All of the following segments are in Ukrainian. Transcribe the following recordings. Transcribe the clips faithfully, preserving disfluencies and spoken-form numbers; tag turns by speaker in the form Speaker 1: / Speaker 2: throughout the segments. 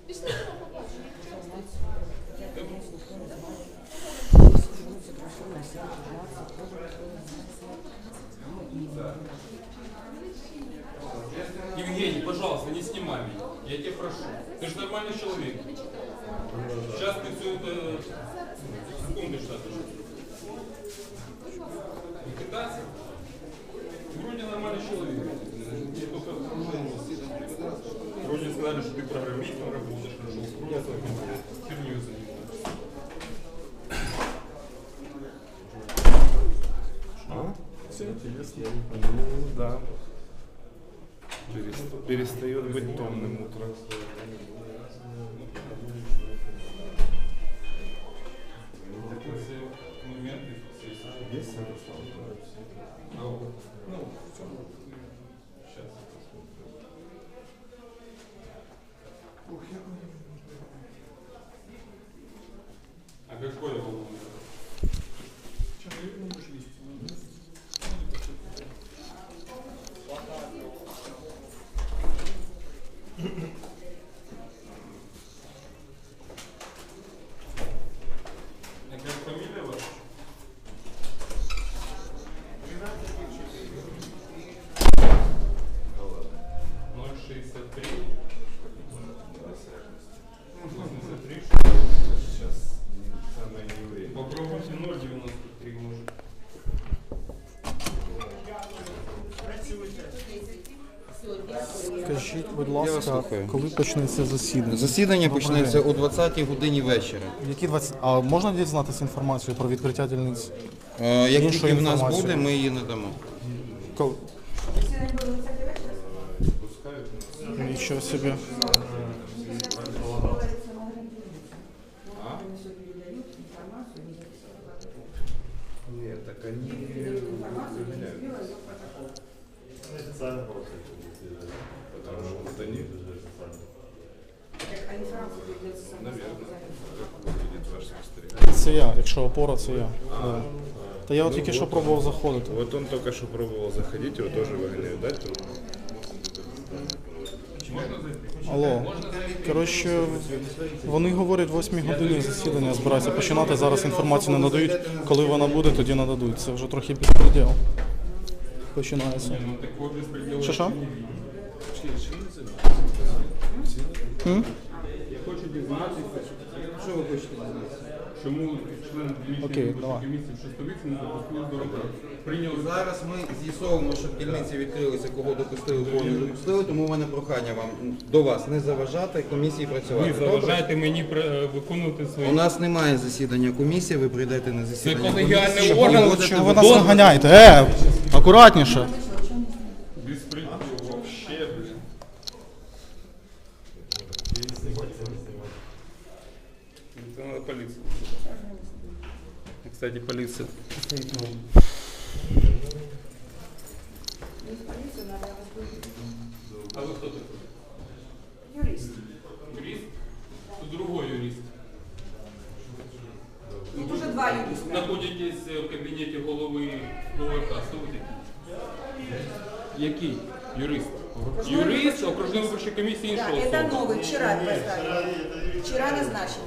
Speaker 1: Евгений, пожалуйста, не снимай меня. Я тебя прошу. Ты же нормальный человек. Сейчас ты все это... Секунду, что ты. Не пытайся. Ты вроде нормальный человек. Я только... Вроде сказали, что ты программистом работаешь, хорошо. Я только херню занимаюсь.
Speaker 2: А? Все интересно. Ну, да. Перестает быть томным утром. Есть Ярослав?
Speaker 1: Ну, все. Сейчас. А какой он? Человек не может вести. А как фамилия ваша? ноль шестьдесят три восемьдесят три.
Speaker 2: Сейчас самое не время.
Speaker 1: Попробуйте ноль девяносто три может.
Speaker 3: Скажіть, будь ласка, коли почнеться засідання?
Speaker 4: Засідання почнеться о двадцятій годині вечора.
Speaker 3: Які двадцять? А можна дізнатися інформацію про відкриття дільниць?
Speaker 4: Е, Як
Speaker 3: Іншу
Speaker 4: тільки в нас
Speaker 3: інформацію.
Speaker 4: буде, ми її надамо.
Speaker 3: Коли? Нічого собі.
Speaker 2: Нет, так они проверяют. Потому что вот они, наверное, как выглядит ваш спостерегатель.
Speaker 3: Це я, якщо опора, це я. Да. Та я от тільки що пробував заходити.
Speaker 2: Вот он только что пробовал заходить, его тоже выгоняют, да? Тут?
Speaker 3: Алло. Коротше, вони говорять, в восьмій годині засідання збираються починати. Зараз інформацію не надають. Коли вона буде, тоді нададуть. Це вже трохи безпреділ. Починається.
Speaker 1: Ну такой беспредел.
Speaker 3: Що що?
Speaker 1: Я хочу дізнатися. Що ви хочете дізнатися? Чому член
Speaker 3: Окей,
Speaker 1: дільничної
Speaker 3: давай.
Speaker 1: комісії в Шестовиці не допустили до роботи? Прийняли
Speaker 4: Зараз ми з'ясовуємо, що в дільниці відкрилися, кого допустили, кого не допустили, тому в мене прохання вам до вас не заважати комісії працювати.
Speaker 1: Ви заважаєте мені е, виконувати свої...
Speaker 4: У нас немає засідання комісії, ви прийдете на засідання
Speaker 1: колегіальний
Speaker 4: комісії,
Speaker 1: орган,
Speaker 4: і будете
Speaker 3: Чого ви нас
Speaker 4: виконувати-
Speaker 3: наганяєте? Е, акуратніше.
Speaker 1: Безпредел вообще, блин. Это надо полиция. Кстати, полиция. А вы кто такой?
Speaker 5: Юрист.
Speaker 1: Юрист? Тут другой юрист.
Speaker 5: Тут уже два юриста.
Speaker 1: Находитесь в кабінеті голови ОВК. Хто ви такі? Який? Юрист. Юрист окружної виборчої комісії
Speaker 5: Да,
Speaker 1: іншого
Speaker 5: это
Speaker 1: суду.
Speaker 5: новый, вчера поставили. Вчера назначили.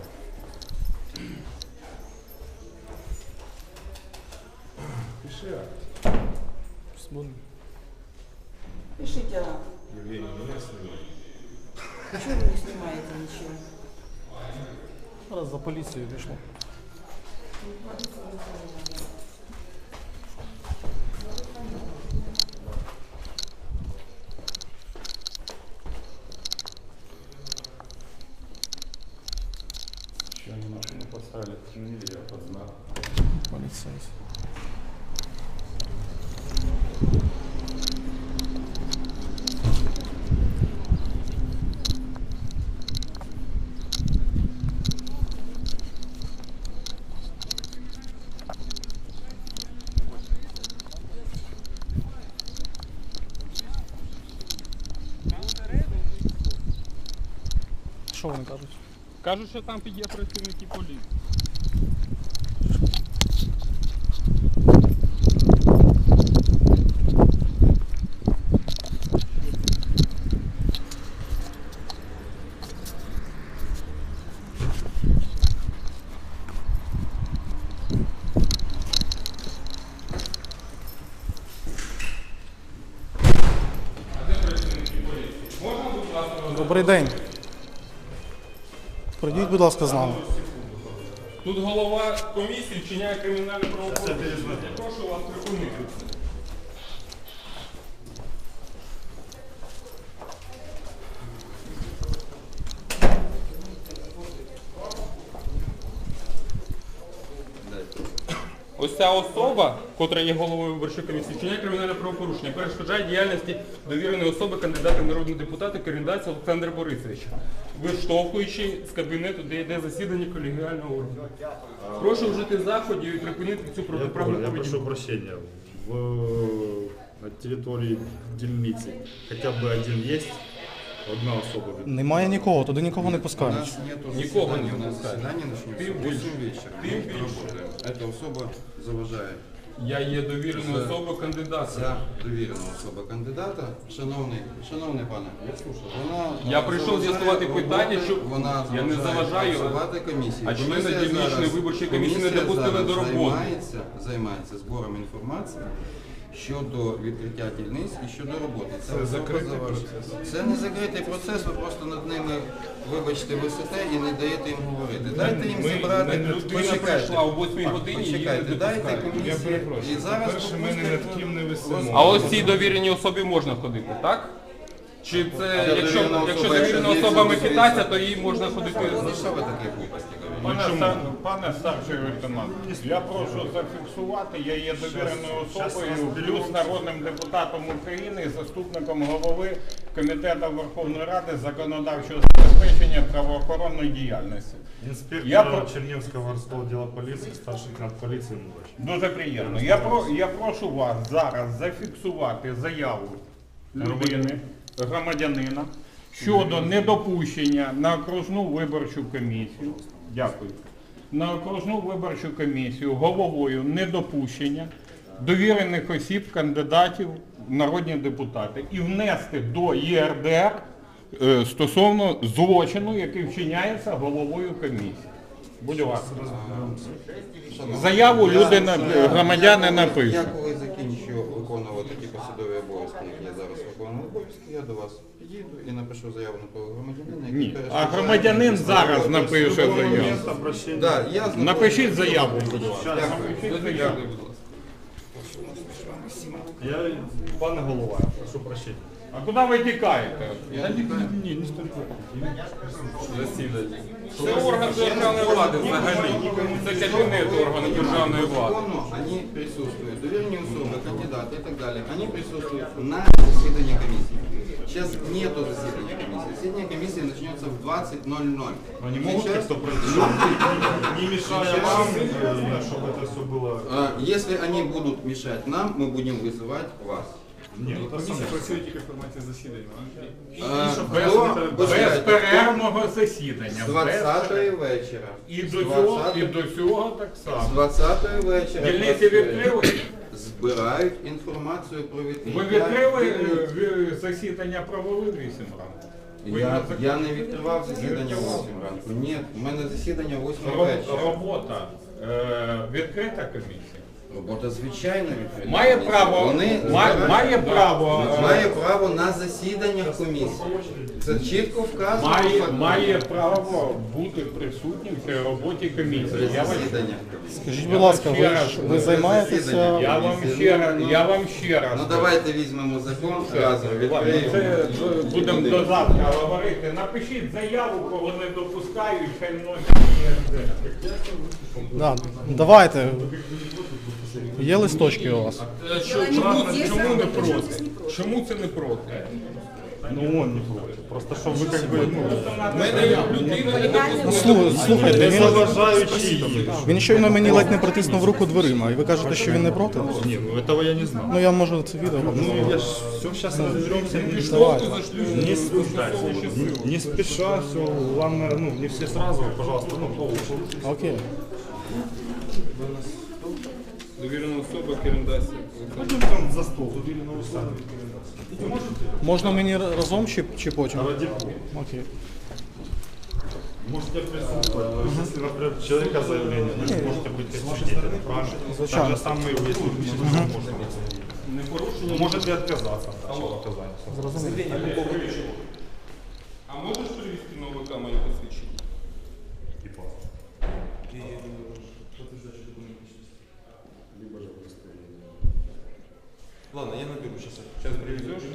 Speaker 2: Пиши,
Speaker 5: Пишите.
Speaker 2: Евгений, меня снимай.
Speaker 5: Чего вы не снимаете ничего?
Speaker 3: Зараз за поліцією пішло.
Speaker 2: Еще они машину поставили, почему нельзя под знак?
Speaker 3: Поліцейський. Що вони кажуть?
Speaker 1: Кажуть, що там є працівники поліції.
Speaker 3: Добрий день. Прийдіть, будь ласка, з нами.
Speaker 1: Тут голова комісії вчиняє кримінальне правопорушення. Прошу вас припинити. Ось ця особа, котра є головою виборчої комісії, вчиняє кримінальне правопорушення, перешкоджає діяльності довіреної особи кандидата в народні депутати Керендаця Олександра Борисовича, виштовхуючи з кабінету, де йде засідання колегіального органу. Прошу вжити заходів і припинити цю
Speaker 2: Я,
Speaker 1: протиправну
Speaker 2: я
Speaker 1: поведінку.
Speaker 2: прошу прощения. В, на территории дільниці хотя бы один есть? Одна особа.
Speaker 3: Немає нікого, туди нікого не
Speaker 4: У
Speaker 3: пускають.
Speaker 4: нас нету
Speaker 1: Никого
Speaker 4: заседания,
Speaker 1: не
Speaker 4: у нас
Speaker 1: пускают.
Speaker 4: заседание начнется
Speaker 1: Ты
Speaker 4: в восемь вечера.
Speaker 1: Ты
Speaker 4: Мы
Speaker 1: більше.
Speaker 4: работаем. Эта особа заважає.
Speaker 1: Я є довіреною
Speaker 4: Це-
Speaker 1: особою кандидата.
Speaker 4: Ця довірена особа кандидата, шановний, шановний пане, вона
Speaker 1: Я прийшов
Speaker 4: заважає
Speaker 1: з'ясувати питання,
Speaker 4: роботи,
Speaker 1: що
Speaker 4: вона
Speaker 1: я не
Speaker 4: заважає
Speaker 1: заважаю,
Speaker 4: працювати комісії.
Speaker 1: а члени
Speaker 4: Комісія
Speaker 1: дільничної
Speaker 4: зараз-
Speaker 1: виборчої комісії не
Speaker 4: комісія
Speaker 1: допустили
Speaker 4: зараз
Speaker 1: до роботи.
Speaker 4: Займається, займається збором інформації щодо відкриття дільниць і щодо роботи. Це, особа
Speaker 2: закритий
Speaker 4: заважає. Це не закритий процес, ви просто над ними, вибачте, висите і не даєте їм говорити. Дайте їм
Speaker 1: Ми-
Speaker 4: зібрати,
Speaker 1: ми- людина
Speaker 4: почекайте.
Speaker 1: прийшла о восьмій годині, її не
Speaker 4: Почекайте, дайте
Speaker 1: допускають.
Speaker 4: комісії. І зараз
Speaker 2: Перше, ми не над ким не висимо.
Speaker 1: А ось цій довіреній особі можна ходити, так? Чи це,
Speaker 4: Ця
Speaker 1: якщо,
Speaker 4: довірена
Speaker 1: якщо
Speaker 4: особа,
Speaker 1: довірена
Speaker 4: якщо
Speaker 1: особа
Speaker 4: дивіться,
Speaker 1: Микитася, то їй можна ходити.
Speaker 4: Ну що ви такі глупості говорите?
Speaker 6: Пане, стар- пане старший лейтенант, я прошу зафіксувати, я є довіреною особою, плюс народним депутатом України і заступником голови Комітету Верховної Ради законодавчого забезпечення правоохоронної діяльності.
Speaker 2: Інспектор
Speaker 6: Я про-
Speaker 2: Чернівського городського діла поліції, старший лейтенант поліції Мурач.
Speaker 6: Дуже приємно. Я, про, я прошу вас зараз зафіксувати заяву людини, громадянина, щодо недопущення на окружну виборчу комісію. Дякую. На окружну виборчу комісію головою недопущення довірених осіб, кандидатів в народні депутати і внести до Є Ер Де Ер е, стосовно злочину, який вчиняється головою комісії. Будь ласка.
Speaker 4: Шановні,
Speaker 6: Заяву
Speaker 4: я-
Speaker 6: люди на-
Speaker 4: я-
Speaker 6: громадяни
Speaker 4: я коли-
Speaker 6: напишуть.
Speaker 4: Я коли закінчу виконувати ті посадові обов'язки, які я зараз виконую обов'язки, я до вас підійду і напишу заяву на того громадянина, який
Speaker 6: Ні.
Speaker 4: перешкоджає
Speaker 6: А громадянин
Speaker 4: мені
Speaker 6: зараз
Speaker 4: службового
Speaker 6: напише
Speaker 4: службового
Speaker 6: заяву.
Speaker 4: місця.
Speaker 2: Обращення.
Speaker 4: Да, я знаходжусь-
Speaker 6: Напишіть заяву, будь ласка.
Speaker 4: Дякую.
Speaker 1: Дякую, будь ласка.
Speaker 2: Я, пане голова, прошу прощення.
Speaker 6: А куди ви тікаєте?
Speaker 4: Я тікаю.
Speaker 2: Ні, не стільки.
Speaker 1: Засідання. Це орган державної влади взагалі. Це кабінет органу державної влади.
Speaker 4: Закону они присутствуют, доверенные особы, кандидаты и так далее, они присутствуют на заседании комиссии. Сейчас нету заседания комиссии. Заседание комиссии начнется в двадцать ноль ноль.
Speaker 2: Но не могут
Speaker 4: Сейчас-
Speaker 2: как-то пройти, не мешая вам, э, чтобы это все было...
Speaker 4: А, Если они будут мешать нам, мы будем вызывать вас.
Speaker 2: Нет, это самое.
Speaker 1: працює тільки в форматі засідання.
Speaker 4: А,
Speaker 6: Без,
Speaker 4: хто-
Speaker 6: без
Speaker 4: почекайте,
Speaker 6: перервного засідання.
Speaker 4: З
Speaker 6: Без
Speaker 4: двадцятої
Speaker 6: перер-
Speaker 4: вечора.
Speaker 6: І
Speaker 4: З
Speaker 6: до цього, і
Speaker 4: двадцятої
Speaker 6: до цього так
Speaker 4: з
Speaker 6: само.
Speaker 4: двадцятої вечора.
Speaker 6: Дільниці відкрили?
Speaker 4: Збирають інформацію про відкриття.
Speaker 6: Ви відкрили е,
Speaker 4: дільниць.
Speaker 6: ви- засідання провели вісім ранку? Ви
Speaker 4: Я,
Speaker 6: на
Speaker 4: я не відкривав засідання в восьмій ранку. Ні, у мене засідання в восьмій
Speaker 6: Ро-
Speaker 4: вечора.
Speaker 6: Робота е, відкрита комісія.
Speaker 4: Робота звичайно відкрита.
Speaker 6: Має право,
Speaker 4: Вони
Speaker 6: ма-
Speaker 4: збирають-
Speaker 6: має право, е,
Speaker 4: має право на засіданнях комісії. Це чітко вказано. в
Speaker 6: має,
Speaker 4: законі.
Speaker 6: має право бути присутнім в цій роботі комісії.
Speaker 4: При
Speaker 6: Я вас,
Speaker 4: засіданнях.
Speaker 3: Скажіть, будь ласка, ви, ж- ви займаєтеся...
Speaker 6: я вам ще раз, я вам ще раз.
Speaker 4: Ну давайте візьмемо закон разом,
Speaker 6: Ладно,
Speaker 4: відкриємо.
Speaker 6: це з- будемо до завтра говорити. Напишіть заяву, кого не допускають, хай вносять.
Speaker 3: Да, давайте. Є листочки у вас?
Speaker 1: Е, що- Чому, чому не проти? Чому це не проти?
Speaker 2: Ну он не против. Просто чтобы вы как бы... Ну,
Speaker 1: В мене людина не допустила.
Speaker 3: Ну, слу- слухайте,
Speaker 2: не
Speaker 3: він,
Speaker 2: заважаючи.
Speaker 3: він щойно мені ледь не притиснув руку дверима, і ви кажете, що він не проти?
Speaker 2: Не, ну этого я не знал.
Speaker 3: Ну я можу це відео показати.
Speaker 2: Ну я ж все сейчас разберемся. Не,
Speaker 1: Штовху зашлю
Speaker 2: не,
Speaker 1: застосовуючи силу.
Speaker 2: не, не спеша, все, главное, ну, не все сразу, пожалуйста, ну, по
Speaker 3: Окей.
Speaker 1: Довірена особа Керендася.
Speaker 2: Пойдем там за стол, убили на усами.
Speaker 3: Можна мені разом чи, чи потім?
Speaker 2: Ради бога.
Speaker 3: Окей.
Speaker 2: Можете присутствовать. То есть, если, например, человека заявление, вы можете быть как свидетелем, правильно?
Speaker 3: Звичайно.
Speaker 2: Так же самое, если вы пишете, что можно быть.
Speaker 1: Не порушення.
Speaker 2: Можете отказаться от вашего оказания.
Speaker 1: А ВК моє посвідчення.
Speaker 2: И паспорт.
Speaker 7: И подтверждающий документ личности.
Speaker 2: Либо же удостоверение.
Speaker 7: Ладно, я наберу сейчас.
Speaker 1: Сейчас привезешь?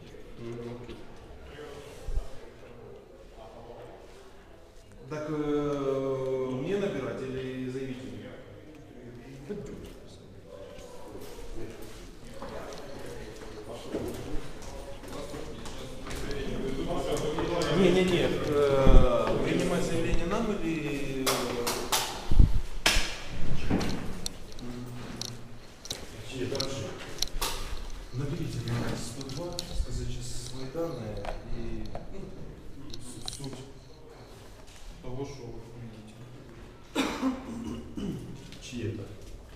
Speaker 7: Так э, мне набирать или заявителю? Не-не-не, э, принимать заявление нам или... э, Хорошо. Наберите мне сто два, сказать сейчас свои данные и ну, с- суть того, что вы видите.
Speaker 2: Чьи это?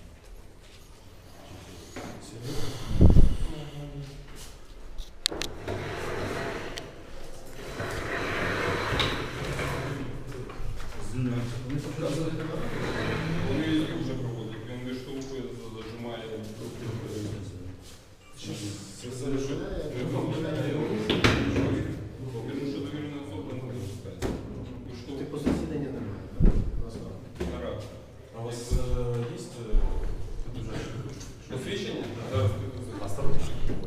Speaker 1: Вони її вже проводять, він виштовхує, зажимає. Він що довірена особа не допускається. Виштовхує.
Speaker 7: По засіданню немає.
Speaker 1: Нарад.
Speaker 7: А у вас э, есть э, подтверждающий?
Speaker 1: Посвідчення? Зараз підписую.
Speaker 2: Осторожно.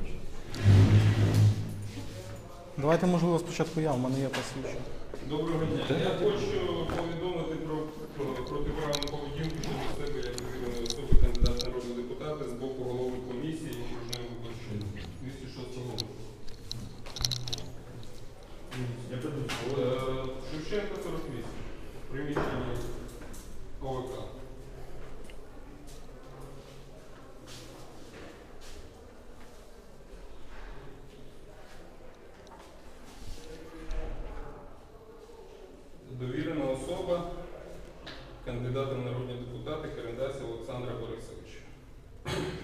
Speaker 3: Давайте, можливо, спочатку я, в мене є посвідчення.
Speaker 1: Доброго дня. Я хочу повідомити про про протиправну поведінку щодо себе як довіреної особи кандидата в народні депутати з боку голови комісії окружної виборчої двісті шостого року.
Speaker 2: Я приду.
Speaker 1: Е, Шевченка сорок вісім. Приміщення ОВК. Довірена особа кандидата в народні депутати Керендася Олександра Борисовича.